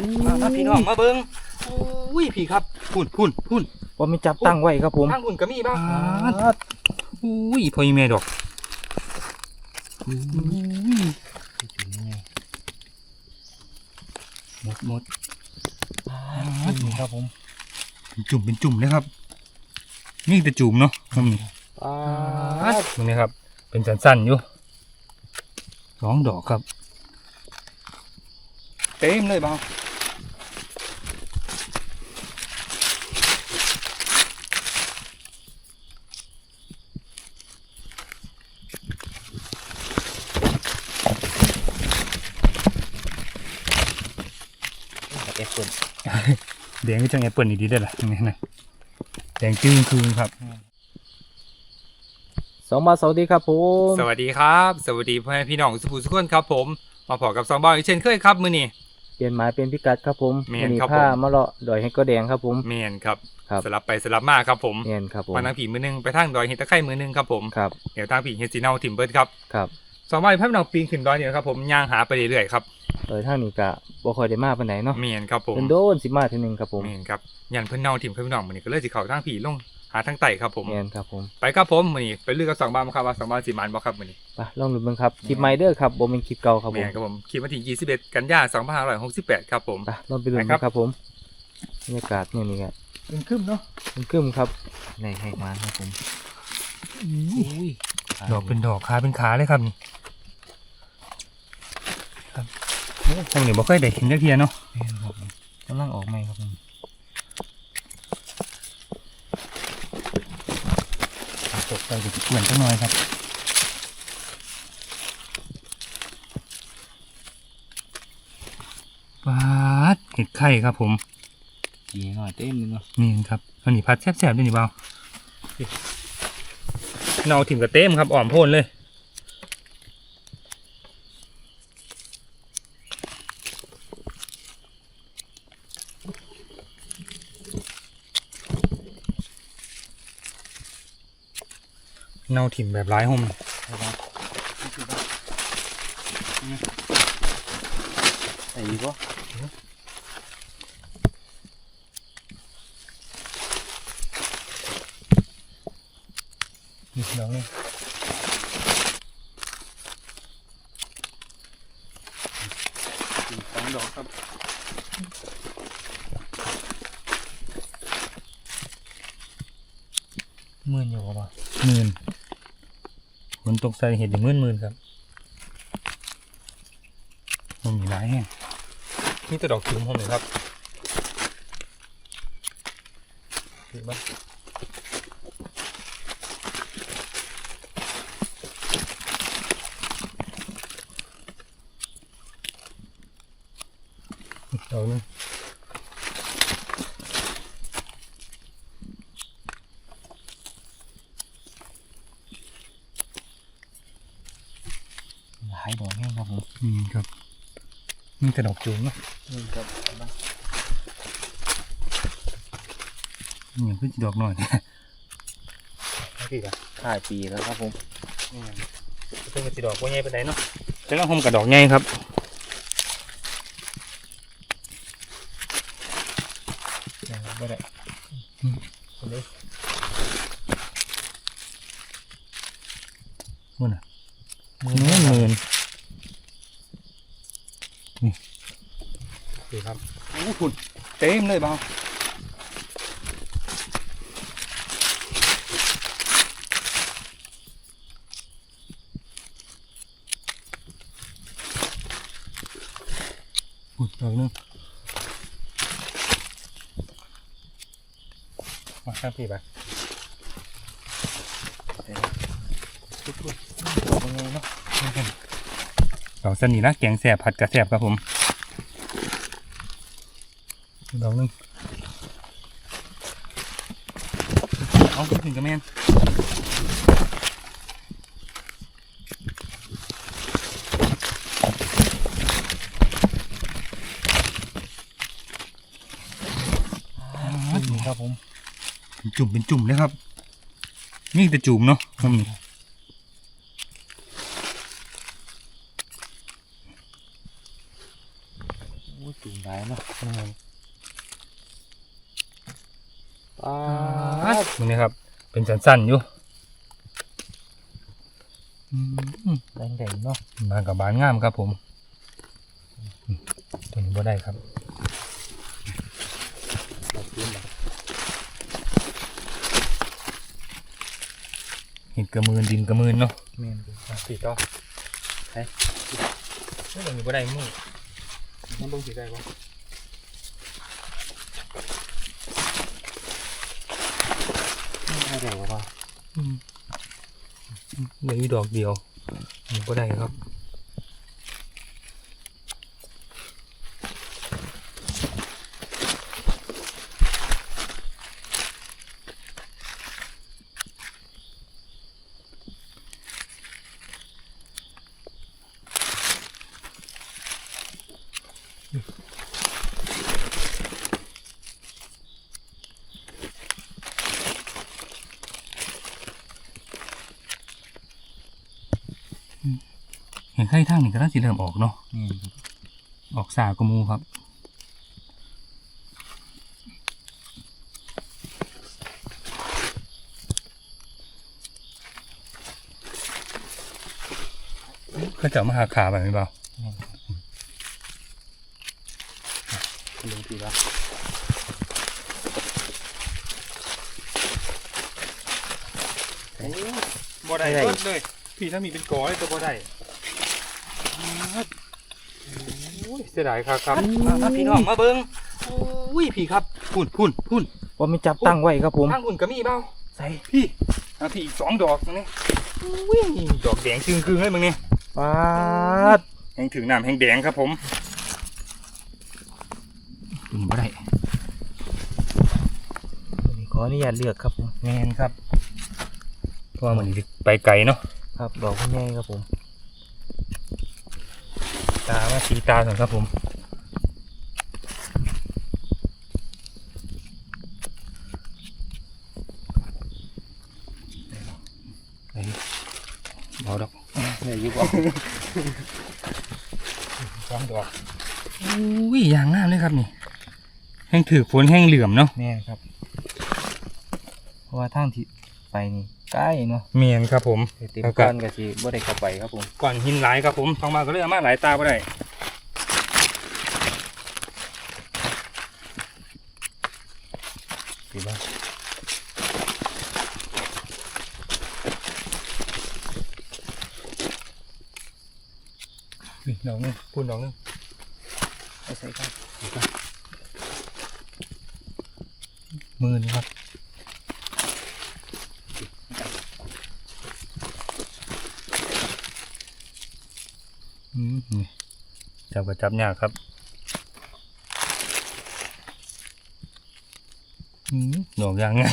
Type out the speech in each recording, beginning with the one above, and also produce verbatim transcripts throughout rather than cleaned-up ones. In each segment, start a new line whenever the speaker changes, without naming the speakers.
มาพี่น้องมาเบิ้งอุ้ยพี่ครับพุ่นพุ่นพุ่นว่าไม่จับตั้งไว้ครับผมตั้งพุ่นก็มีบ้างอุ้ยพอยีเมดอกหมดหมดนี่ครับผมจุ่มเป็นจุ่มเลยครับนี่แต่จุ่มเนาะนี่ตรงนี้ครับเป็นสั้นๆอยู่สองดอกครับเต็มเลยบ้างแอปเปิลแดงก็จังแอปเปิลดีๆได้ละนี่นะแดงจึ้งคืนครับ
สองบาทสวัสดีครับผม
สวัสดีครับสวัสดีพ่อแม่พี่น้องสุภูสุขคนครับผมมาพอกับสองบาทอีกเช่นเคยครับมื้อนี้
เปลี่ยนหมายเป็นพิกัดครับผม
เมียนครับ
ผ้ามะเลาะดอยให้ก็แดงครับผม
เมียนครับสลับไปสลับมาครับผม
เมียนครับผม
มาทางผีมือนึงไปทางดอยเห็ดตะไคร่มือนึงครับผม
ครับ
เดี๋ยวทางผีเห็ดสีเนาถิ่มเบิร์ดครับ
ครับ
สองบาทพ่อแม่น้องปีนขึ้นดอยเนี่ยครับผมย่างหาไปเรื่อยๆครับ
โดยทางนี้กะบ่ค่อยได้มาปานไหนเนาะ
เมียนครับผม
เป็นโดนสิมาทีนึงครับผม
เมียนครับยันเพิ่นเนาถิ่มเพิ่นน้องมื้อนี้ก็เลยสิเข้าทางผีลงหาทางไต่ครับผม
เมียนครับผม
ไปครับผมมื้อนี้ไปลือกับสองบาทครับว่าสองบาทสิมันบ่ครับมื้อนี้
ไปลองดูเบิ่งครับคลิปใหม่เด้อครับบ่เป็นคลิปเก่าครับผม
เมียนครับผมคลิปวันที่ยี่สิบเอ็ดกันยายนสองพันห้าร้อยหกสิบแปดครับผม
ไปลองไปดูครับผมบรรยากาศเนี่ยนี่ครับ
เป็นครึ้มเนาะ
เป็นครึ้มครับในให้มาครับผม
อุ้ยดอกเป็นดอกขาเป็นขาเลยครับนี่ครับทางนี้บ่เคยได้เห็นจักเที่ยเนาะ
กำลังออกใหม่ครับผม
ตกใจจะเกลื่อนจังหน่อยครับปาดเห็ดไข่ครับผม
ดีหน่อยเต็มเลยเนาะ
นี่ครับอันนี้พัดแซ่บๆด้วยนี่เบาเนาถิ่มกับเต็มครับอ่อมโพ่นเลยเนาถิ่มแบบร้ายห่ม
ไอ้ยี่ปะ
นี่ดอกนี่สองดอกครับ
หมื่นอยู่ป่ะ
หมื่นฝนตกใส่เห็ดอย่างหมื่นหมื่นครับมันมีหลายแห่งนี่แต่ดอกจุ่มผมเลยครับเห็นปะดอกนึง
หลายดอกแห้งครับผม
อืมครับนี่แต่ดอกจุ่มนะ
นี่ครับ
นี่ยังเพิ่งดอกหน่อยพี่ครับ
ถ่ายปีแล้วครับผม
เพิ่งจะดอกว่าใหญ่ไปไหนเนาะจะต้องห่มกับดอกใหญ่ครับ
ไม่ได้
คนนี้มื่นอ่ะมื่นมื่นนี่ดูครับโอ้คุณเต็มเลยบ้างอุ้ยดอกนึงมาข้ามพี่ไปดอกสนีนะแกงแสบผัดกระแสบครับผมดอกนึงเอาถึงกระแมนนี่ครับผมจุ่มเป็นจุ่มเลยครับนี่แต่จุ่มเนาะมันมี
จุ่มได้เนาะ
แม่น
ปาด
มึงนี่ครับ เป็นสั้นๆอยู่อืม
แดงๆเนาะ
มากับบานงามครับผมอืมตัวนี้บ่ได้ครับ
แบบนี้นะ
เห็ดกระมืนดินกระมืนเนาะ
แม่นดู
อ่ะสีต่อไปไม่ตัวนี้บ่ได้มึงมันเบิ่งสีได้บ่
ไม่ได้ว่า
อืมเหลืออยู่ดอกเดียวมันบ่ได้ครับเห็นไข่ทางนี่ก็น่าสิเริ่มออกเนาะ
แม่น
ออกสากระมูครับเขาจะเอามาหาขาแบบนี้เปล่า
แม่นลงทีละ
บ่ได้เบิดเลยพี่ถ้ามีเป็นกอเลยตัวบ่ได้โอ้ยเสียดายครับครับมามาพี่น้องมาเบิ้งอุ้ยพี่ครับพุ่นพุ่นพุ่น
ว่าไม่จับตั้งไว้ครับผม
ทางพุ่นก็มีเปล่า
ใส่
พี่อ่ะพี่อีกสองดอกตรงนี้อุ้ยดอกแดงจึงคืงเลยมึงนี่
ปาด
แห้งถึงน้ำแห้งแดงครับผมตัวนี้บ่ได้
ขออนุญาตเลือกครับผม
แมนครับเพราะว่ามันสิไปไกลเนาะ
ครับดอกคุณแม่ครับผม
ตามาสีตาก่อนครับผมไหนดิเบาดอก
เนี่ยยุบออก
สองดอกอุ้ยอย่างงามเลยครับนี่แห้งถือฝนแห้งเหลื่อมเนาะ
แม่ครับ เพราะว่าทางที่ไปนี่ใกล้เนาะ
เมียนครับผม
เต็มก้อนก็สิบ่ได้เข้าไปครับผม
ก่อนหินหลายครับผมทองมาก็เลยเอามาหลายตาบ่ได้ดีบ้างนี่ดอกนึงพูนดอกนึง
เอาใส่ครับ
มือนี่ครับอืมนี่จับก็จับยากครับอืมดอกยังไง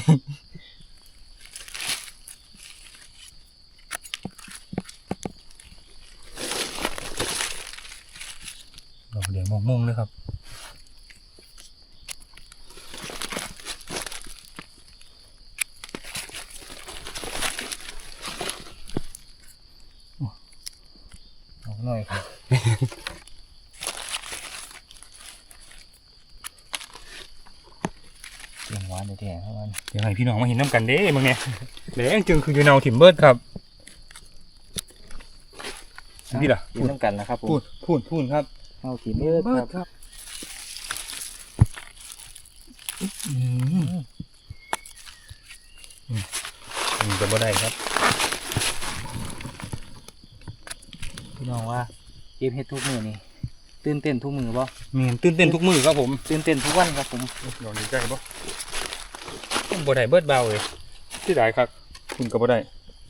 ดอกแดงม่วงๆเลยครับ
เอาหน่อยครับเสียงหวานแท้ๆครับมัน
เดี๋ยวให้พี่น้องมาเห็นน้ำกันเด้มึงเนี่ยแดงจึงคืออยู่เนาถิ่มเบิร์ดครับนี่ล่ะ
กินน้ำกันนะครับผม
พูดพูดพูดครับ
เอาทีเบิดครับ
ครับอืมอืมมันจะบ่ได้ครับ
พี่น้องว่าเก็บเฮ็ดทุกมือนี่ตื่นเต้นทุกมือบ่
เมียนตื่นเต้นทุกมือครับผม
ตื่นเต้นทุกวันครับผม
ลองดีใจบ่บ่ได้เบิดเบาเลยที่ได้ครับคุณก็บ่ได้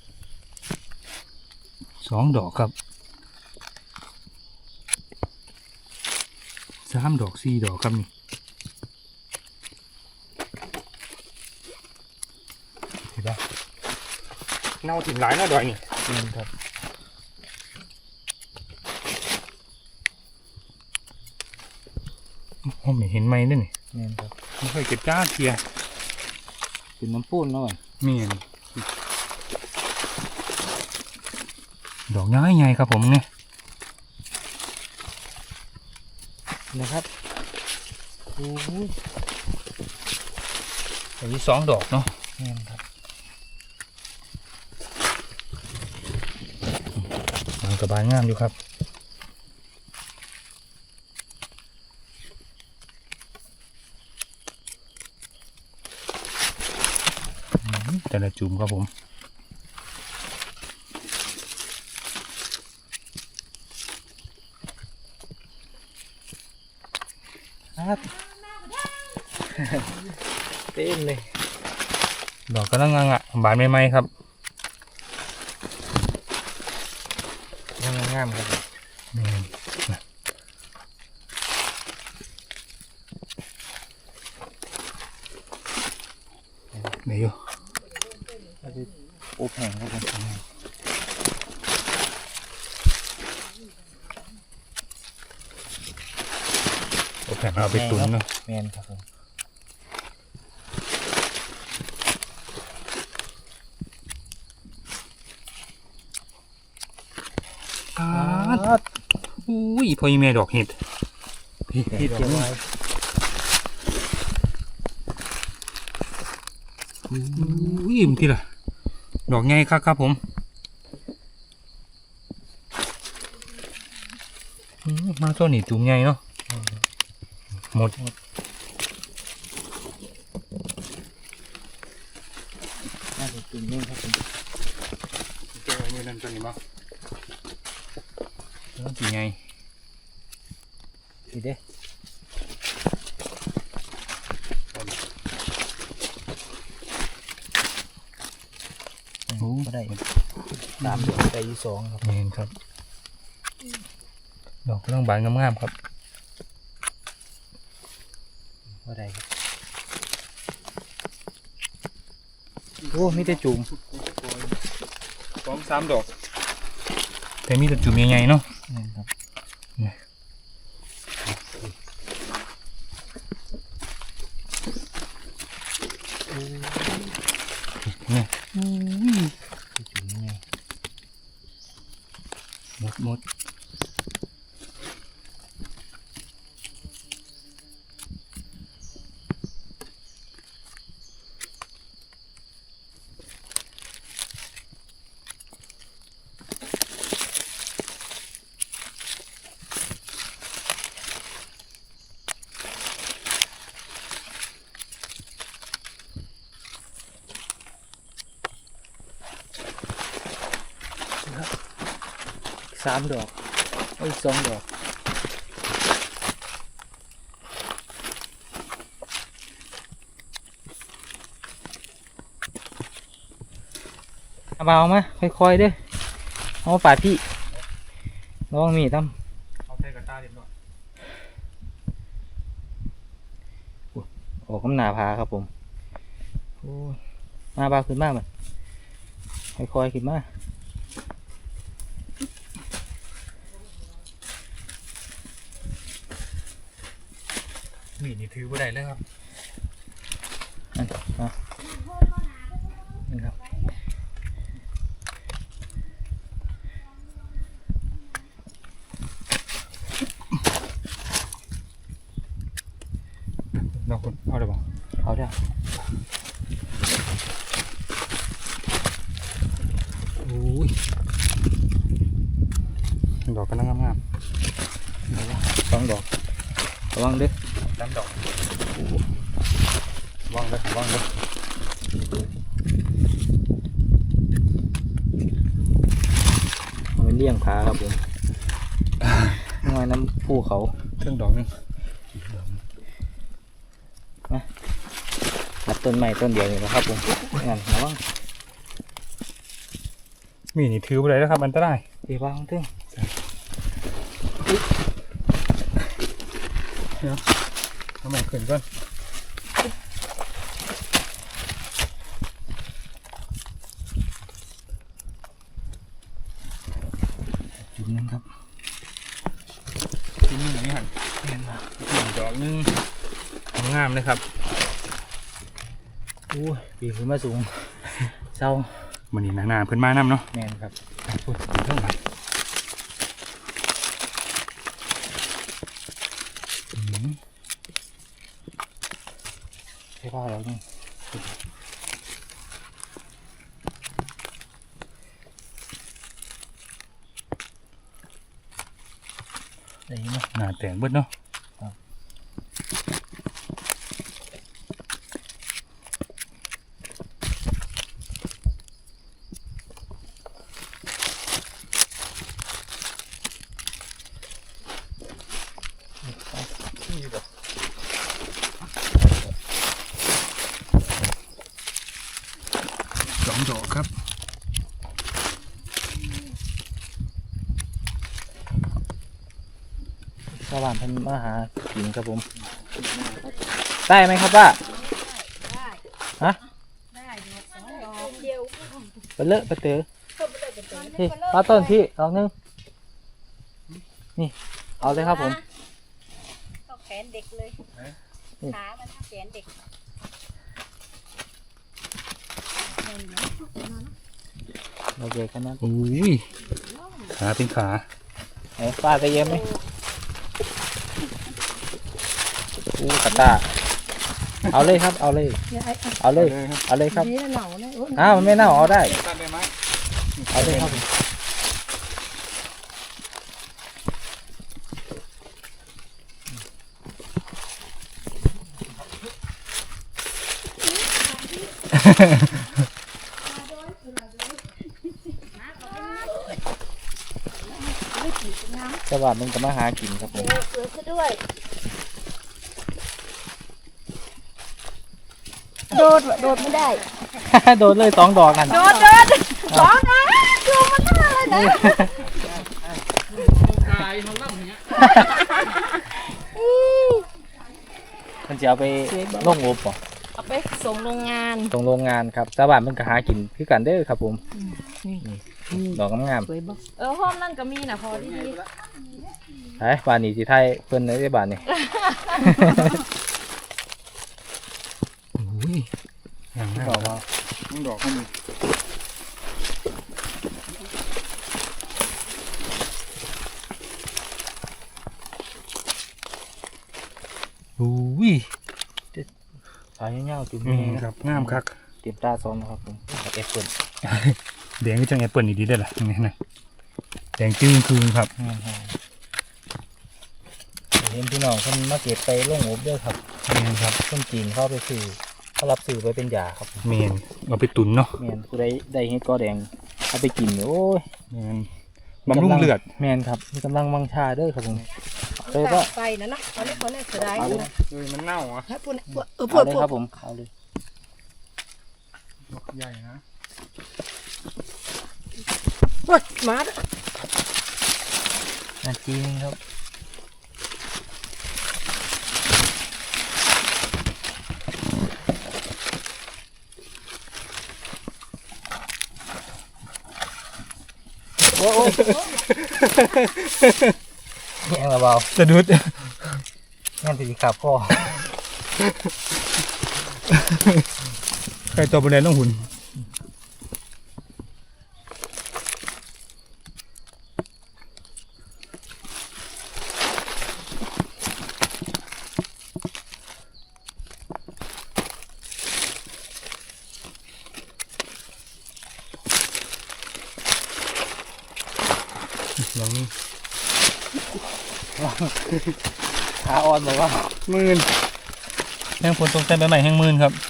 สองดอกครับสามดอกสี่ดอกครับนี่เห็นปะเน่าถิ่นหลายเน่าดอยนี่
อืมครับ
ผมไม่เห็นไหมนั่นนี่
แม่นครับ
ไม่เคยเก็บจ้าเทีย
เป็นน้ำปูนเนาะ
เมียนดอกย้ายไงครับผมเนี่ย
นะครับโอ้ย
อันนี้สองดอกเนาะ
แม่นครับ
มันกระบาลงามอยู่ครับอืมแต่ละจุ่มครับผม
ครับ เต้นเลย
ดอกกำลังงางะบานใหม่ๆครับ
งามงามๆครับผม
อืมเดี๋ยวอยู่
แล้วก็โอบแห้งครับผม
เอาแผ่นเอาไปตุ๋นเนาะ
แม่นครับผม
ครับ อุ้ยพอยีเมดอกเห็ด
เห็ดเจียวไว้
อุ้ยมันที่ละดอกไงครับครับผมอืมมาตัวนี้จุ่มไงเนาะหมด
น่าจะกินนี่ครับผม
เจ้ามือนั่นตัวนี้มั้งแล้วจุ่มไง
ดีเด้โอ้ก็ได้สามดอกได้อยู่สองครับ
เห็นครับ ดอกกำลังบานงามๆครับ
ก็ได้ครับโอ้มีแต่จุ่ม
สองสามดอก แต่มีแต่จุ่มใหญ่ๆเนาะ
นี่ครับ
เนี่ย
จุ่มไง
หมดหมด
สามดอกโอ้ยสองดอกเอาเบามาค่อยๆเด้อเอามาปาดพี่ระวังมีดตั้ม
เอาใส่กระตาเรียบร้อย
ออกกำหนาพาครับผมโอ้ยมาเบาขึ้นมากมันค่อยๆขึ้นมา
มีดนี่ถือบ่ได้เลยครับ
อันมานี่ครับ
น้องคุณเอาได้ป่ะ
เอาเด้อ
อุ้ยดอกกำลังงาม
สองดอกระวังเด้อ
ๆสามดอกว่างเลยว่างเลย
เอาไปเลี้ยงผาครับผมน้อยน้ำผู้เขา
เครื่องดอกนึง
ตัดต้นไม้ต้นเดียวนี่นะครับผมงั้นระวัง
มีดนี่ถือบ่ได้แล้วครับอันตราย
เดี๋ยววางเถอะ
เอาใหม่ขึ้นก่อน
จุดนึงครับ
ที่นี่นี่หันหนึ่งดอกนึงงามเลยครับ
โอ้ยปีนขึ้นมาสูงเศร้า
มันนี่หนาๆเพิ่นมาน้ำเนาะ
แมนครับ
พูดถึงเท่าไหร่
ใช่ป่ะแล้วนี่ได้ยินไหม
หน้าแตงเบิดเนาะสองดอกครับ
ชาวบ้านเพิ่นมาหากินครับผมได้ไหมครับป้าฮะ
ได้ดอกสองดอกเดียว
ไปเลอะไปเต๋อพี่ป้าต้นพี่ลองนึงนี่เอาเลยครับผม
ก็แขนเด็กเลยขามันเท่าแขนเด็ก
โอเคกันนะ
อุ้ยขาเป็นขา
ไหนป้าจะเย็นไหมอู้กระตาเอาเลยครับเอาเลย
เนี่ยไอ้
เอาเลยเอาเลยครับ
นี่เหนาเนี่ย
อ้าวมันไม่เน่าเอาได้
ตัดได้ไหม
เอาเลยครับผม สวัสดีมึงก็มาหากินครับผม
เสือซะด้วย โดดโดดไม่ได้
โดนเลยสองดอกกัน
โดดโดดสองนะดูมันน่าเลยนะ
มันจะเอาไปลงอบป่ะ
เอาไปส่งโรงงาน
ตรงโรงงานครับสวัสดีมึงก็หากินคือกันเด้อครับผมดอกงาม
สวยบ่เออห้องนั่นก็มีนะพอดี
ๆไอ้บ้านนี้สิไทยเพิ่นได้บ้านนี้
อุ้ยอย่าง
บ
นั้
อกว่า
ต้องดอกให้มีอุ้ย
สายเงาๆจุ่ม
นี่
นี่
ครับงามคัก
เตรียมตาซ้อมนะครับผมกับแอปเปิล
แดงก็จังแอปเปิลอีกดีได้อล่ะนี่นะแดงจื้อคืนครับ
เห็นพี่น้องเพิ่นมาเก็บไปลงอบเด้อครับ
นี่ครับ
คนจีนเข้าไปซื้อเขารับซื้อไปเป็นยาครับ
เมนเอาไปตุนเนาะ
แมนผู้ใดได้เห็ดกอแดงเอาไปกินเนี่ยโอ้ย
เมนบำรุงเลือด
แมนครับมีกำลังวังชาเด้อครับผมเลย
ก็
ว่า
ไปนะนะเอาเลยคนนี้เสียดาย
เอาเลย
นะ
เฮ้ยมันเน่าอ่ะ
ให้พูดเออพู
เอา
ด
เลย
พูด
ครับผมเอาเลย
ดอกใหญ่นะ
พูดมา
นาจีนครับโอ้โหแย่งระเบา
สะดุด
แม่นตีขาพ่อ
ใครตัวบริเวณต้องหุ่นลองนี่
ขาอ่อนบอกว่า
หมื่นแห้งผลตรงเต้นใบใหม่แห้งหมื่นครับ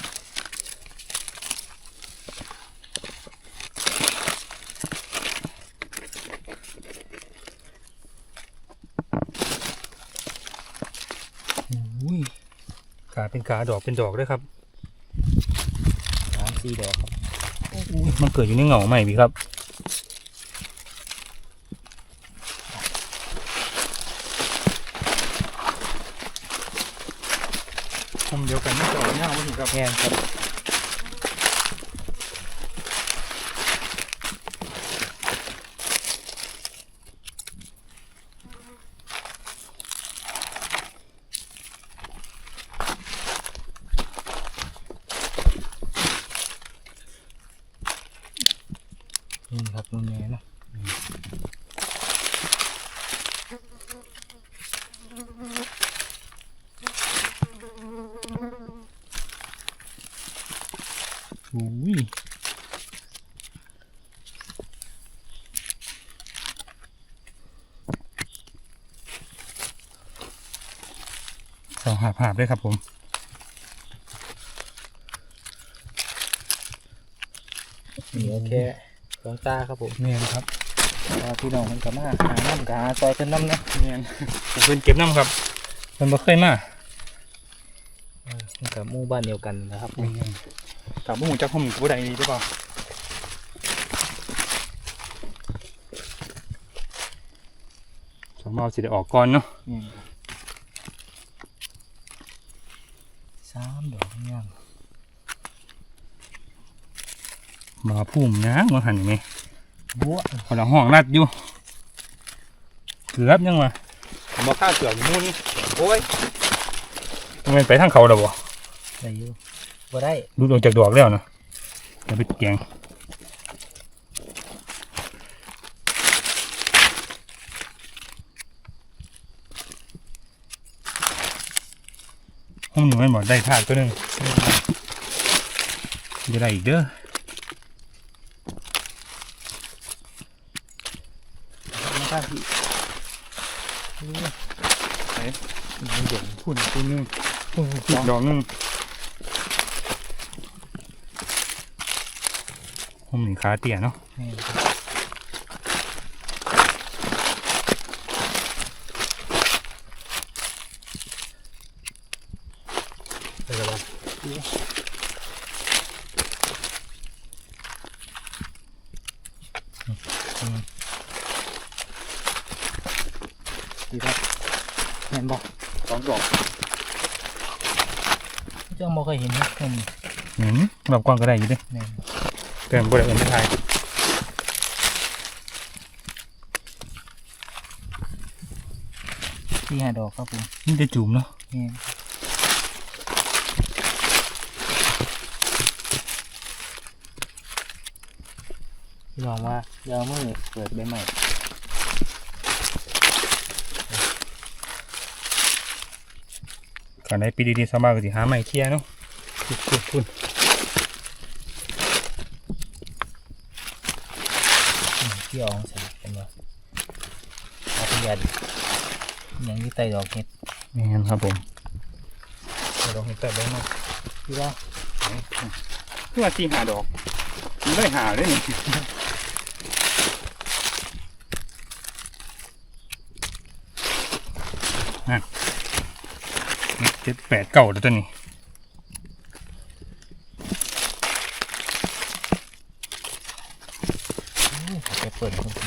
อุ้ยขาเป็นขาดอกเป็นดอกด้วยครับ
สามสี่ดอกครับ
อุ้ยมันเกิดอยู่ในเหงาใหม่พี่ครับทำเดียวกันไม่ต่อเน่าไม่ถึงครับ
แง่ครับนี่ครับนุ่นแง่เนาะ
อุ้ยสองหาบหาบด้วยครับผม
นี่โอเคหลวงตาครับผม
เนียนครับ
ว่าพี่น้องมันก็มาหาน้ำกหาซอยขึ้นน้ำนะ
เนียนผมเพิ่นเก็บน้ำครับเพิ่นบ่เคยมา
เออมันกับหมู่บ้านเดียวกันนะครับผม
เนียนกับหมู่จักผมกับผู้ใดดีหรือเปล่าสองเมาสิได้ออกก่อนเนาะ
นี่สามดอกงาม
มาพุ่มนะมาหันไหม
บัว
คนละห้องรัดอยู่เกือบยังวะผมบอกข้าเกือบมุ่นโอ้ยมันไปทางเขาแล้วบ่
ได้อยู่บ่ได้
ดูดออกจากดอกแล้วนะเดี๋ยวไปแกงห้องหนูไม่หมดได้ทากตัวหนึงจะได้อีกเด้อ
มาข้างพี่
มันเด่นพุ่นตัวหนึงพุ่นอีกดอกหนึงห้องหนึ่งขาเตี้ยเนาะ
นี่ไปแล้วบ่ดีครับเห็นบ่
สองดอก
เจ้าบ่เคยเห็นเห็ดผม
เห็นแบบกว้างก็ได้อยู่เด้
แม่น
เกินบ่ได้เอิ้นไม่ทาย
ที่หาดอกครับผม
นี่จะจุ่มเนาะ
แม่นพี่น้องว่าเดี๋ยวเอามือเปิดใบใหม่
ก่อนได้ปีดีๆสบายก็สิหาใหม่เคลียร์เนาะคุณคุณคุณ
ที่อองใส่เป็นว่าอาพยาดยังอยี่ไตดอกเห็ด
นี่ครับผมดอกเห็ดแต่ได้เนาะ
พี่ว่า
เพื่อที่หาดอกมันได้หาได้นี่นั่นเจ็ดแปดเก้าแล้วตัวนี้
ไปเปิดครับผม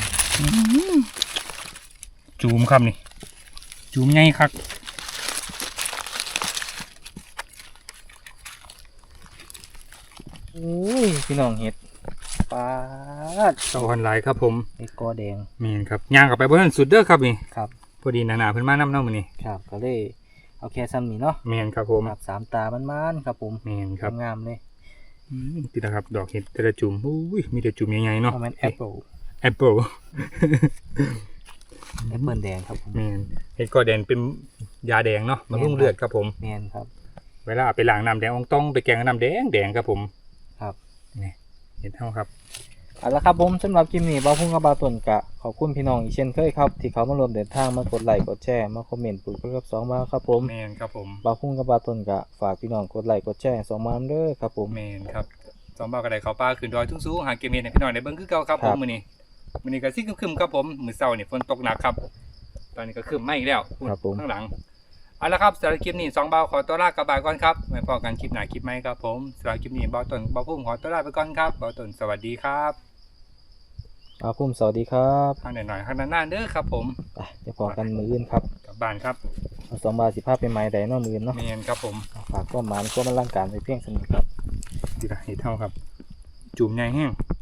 จูมครับนี่จูมใหญ่คัก
อุ้ยพี่น้องเห็ดปลาด
เก้าพันหลายครับผม
ไอ้กอแดง
มีนครับย่างกลับไปบนนั้นสุดเด้อครับนี่
ครับ
พอดีหนาๆเพิ่นมาน้ำเน่ามื้อนี้
ครับก็เลยเอาแค่ซ้ำนี่เนาะ
แมนครับผม
ครับสามตามันๆครับผม
แมนครับ
งามๆเลย
อืมติดนะครับดอกเห็ดแต่ละจุ่มอุ้ยมีแต่จุ่มใหญ่ๆเนาะ
เพราะมันแอปเปิล
แอปเปิล
แอปเปิลแดงครับผม
แมนเห็ดกอแดงเป็นยาแดงเนาะบำรุงเลือดครับผม
แมนครับ
เวลาเอาไปล้างน้ำแดงอองต้องไปแกงน้ำแดงแดงครับผม
ครับ
นี่เห็ดเท่าครับ
เอาละครับผมสำหรับคลิปนี้บ่าวพุ่งกับบาวต้นกะขอบคุณพี่น้องอีกเช่นเคยครับที่เขามารวมเดินทางมากดไลค์กดแชร์มาคอมเมนต์ปลูกกับสองมาครับผม
แมนครับผม
บ่าวพุ่งกับบาวต้นกะฝากพี่น้องกดไลค์กดแชร์สองมาเด้อครับผม
แมนครับสองบ่าวกระไดเขาป้าขึ้นดอยทุ่งสูงหาเกมเมนให้พี่น้องได้เบิ่งคือเก่าครับผมมื้อนี้มื้อนี้ก็สิครึมๆครับผมมื้อเช้านี่ฝนตกหนักครับ ตอนนี้ก็ครึมมาอีกแล้วพูด
ครับผม
ข้างหลังเอาละครับสำหรับคลิปนี้สองบ่าวขอตัวลากลับบ้านก่อนครับไว้พอกันคลิปหน้าคลิปใหม่ครับผมสำหรับคลิปนี้บ่าวต้นบ่าวพุ่มขอตัวลาไปก่อนครับบ่าวต้นสวัสดีครับ
บ่าวพุ่มสวัสดีครับ
ทางหน่อยๆข้างหน้าๆเด้อครับผม
ไปจะพอกันมืออื่นครับ
กลับบ้านครับ
เอาสองบาทสิภาพเป็นไม้ใดเนอกมืออื่นเนาะ
เมนครับผม
ฝากก็หมานก็มันร่างการไปเพียงสนิทครับ
ดีละเห็ดเท่าครับ จุ่มใหญ่แห้ง